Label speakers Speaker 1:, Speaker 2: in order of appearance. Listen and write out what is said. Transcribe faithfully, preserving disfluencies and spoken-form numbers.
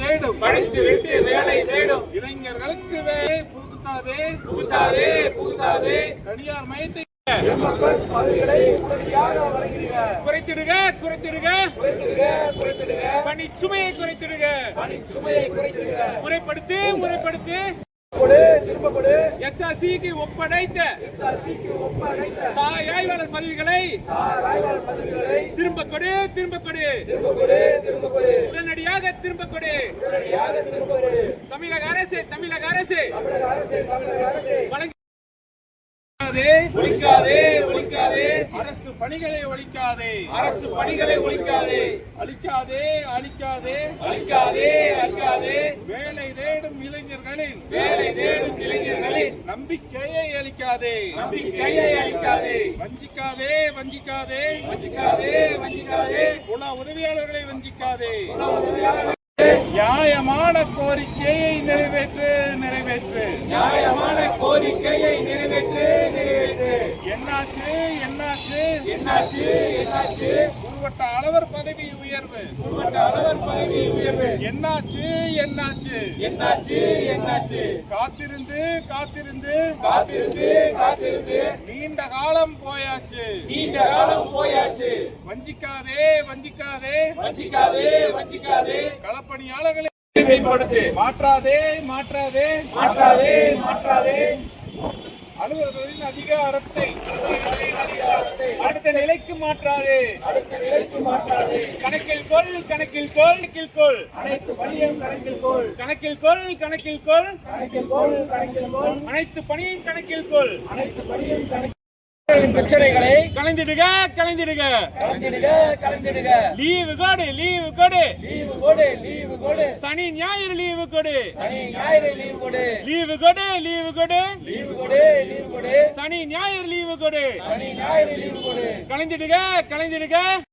Speaker 1: தேடும்
Speaker 2: படித்துவிட்டு வேலை தேடும்
Speaker 1: இளைஞர்களுக்கு வேலை புகுத்தாதே
Speaker 2: புகுத்தாதே புகுத்தாதே
Speaker 1: தனியார் மயத்தை
Speaker 2: குறைத்திடுக குறைத்திடுக குறைத்திடுக பணி சுமையை குறைத்திடுக பணி சுமையை குறைத்திடுக முறைப்படுத்து முறைப்படுத்து எஸ்ஆர்சிக்கு ஒப்படைத்த சாய் ஆய்வாளர் பதவிகளை திரும்ப கொடு திரும்ப கொடு உடனடியாக திரும்ப கொடு தமிழக அரசு தமிழக அரசு வழங்கி ஒழிக்காதே ஒழிக்காதே
Speaker 1: அரசு பணிகளை ஒழிக்காதே
Speaker 2: அரசு பணிகளை ஒழிக்காதே
Speaker 1: அழிக்காதே அழிக்காதே
Speaker 2: அழிக்காதே அழிக்காதே
Speaker 1: வேலை தேடும் இளைஞர்களின்
Speaker 2: வேலை தேடும் இளைஞர்களின்
Speaker 1: நம்பிக்கையை அளிக்காதே
Speaker 2: நம்பிக்கையை அளிக்காதே
Speaker 1: வஞ்சிக்காதே வஞ்சிக்காதே
Speaker 2: வஞ்சிக்காதே வஞ்சிக்காதே
Speaker 1: உண உதவியாளர்களை வஞ்சிக்காதே நியாயமான கோரிக்கையை நிறைவேற்று நிறைவேற்று
Speaker 2: நியாயமான கோரிக்கையை நிறைவேற்று நிறைவேற்று
Speaker 1: என்னாச்சு என்னாச்சு
Speaker 2: என்னாச்சு என்னாச்சு
Speaker 1: உருவட்ட அளவர் பதவி உயர்வு
Speaker 2: உருவட்ட அளவர் பதவி உயர்வு
Speaker 1: என்னாச்சு என்னாச்சு
Speaker 2: என்னாச்சு என்னாச்சு
Speaker 1: காத்திருந்து காத்திருந்து
Speaker 2: காத்திருந்து காத்திருந்து
Speaker 1: நீண்ட காலம் போயாச்சு
Speaker 2: நீண்ட காலம் போயாச்சு
Speaker 1: வஞ்சிக்காதே வஞ்சிக்காதே
Speaker 2: வஞ்சிக்காதே வஞ்சிக்காதே
Speaker 1: களப்பணியாளர்களை
Speaker 2: மேம்படுத்து
Speaker 1: மாற்றாதே மாற்றாதே
Speaker 2: மாற்றாதே மாற்றாதே
Speaker 1: அலுவலர்களின் அதிகாரத்தை
Speaker 2: அடுத்த நிலைக்கு மாற்றாதே அடுத்த நிலைக்கு மாற்றாதே கணக்கில் கொள் கணக்கில் கொள் கணக்கில் கொள் அனைத்து பணியும் கணக்கில் கொள் கணக்கில் கொள் கணக்கில் கொள் கணக்கில் கொள் கணக்கில் கொள் அனைத்து பணியும் கணக்கில் கொள் அனைத்து பணியும் கணக்கில் பிரச்சனைகளை கலைந்திடுக கலைந்திடுக கலைந்திடுக கலைந்திடுக லீவு கோடு லீவு கோடு லீவு கோடு லீவு கோடு சனி ஞாயிறு லீவு கோடு சனி ஞாயிறு லீவு கோடு லீவு கோடு லீவு கோடு லீவு கோடு லீவு கோடு சனி ஞாயிறு லீவு கோடு சனி ஞாயிறு லீவு கோடு கலைந்திடுக கலைந்திடுக